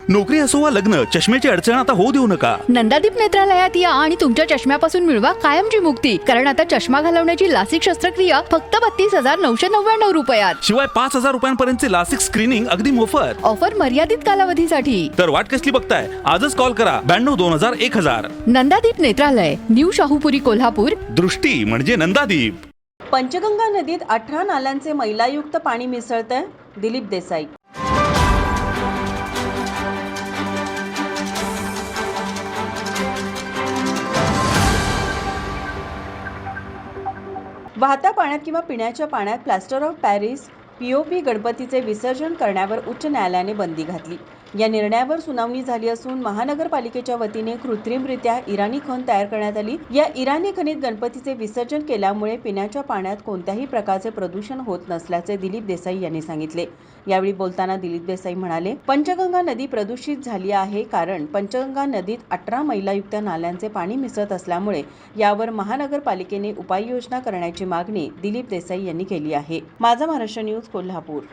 नोकरी असो वा लग्न, चष्म्याची अडचण आता होऊ देऊ नका. नंदादीप नेत्रालयात या आणि तुमच्या चष्म्यापासून मिळवा कायमची मुक्ती. कारण आता चष्मा घालवण्याची लासिक शस्त्रक्रिया फक्त 32,999 रुपयात. शिवाय 5,000 रुपयांपर्यंतचे लासिक स्क्रीनिंग अगदी मोफत. ऑफर मर्यादित कालावधीसाठी. तर वाट कसली बघताय, आजच कॉल करा 92-2000-1000. नंदादीप नेत्रालय, न्यू शाहूपुरी, कोल्हापूर. दृष्टी म्हणजे नंदादीप. पंचगंगा नदीत 18 नाल्यांचे मैलायुक्त पाणी मिसळतंय. दिलीप देसाई. वाहत्या पाण्यात किंवा पिण्याच्या पाण्यात प्लास्टर ऑफ पॅरिस पीओपी गणपतीचे विसर्जन करण्यावर उच्च न्यायालयाने बंदी घातली. या निर्णयावर सुनावणी झाली असून महानगरपालिकेच्या वतीने कृत्रिमरित्या इराणी खण तयार करण्यात आली. या इराणी खणीत गणपतीचे विसर्जन केल्यामुळे पिण्याच्या पाण्यात कोणत्याही प्रकारचे प्रदूषण होत नसल्याचे दिलीप देसाई यांनी सांगितले. यावेळी बोलताना दिलीप देसाई म्हणाले, पंचगंगा नदी प्रदूषित झाली आहे कारण पंचगंगा नदीत 18 मैलायुक्त नाल्यांचे पाणी मिसळत असल्यामुळे यावर महानगरपालिकेने उपाययोजना करण्याची मागणी दिलीप देसाई यांनी केली आहे. माझा महाराष्ट्र न्यूज, कोल्हापूर.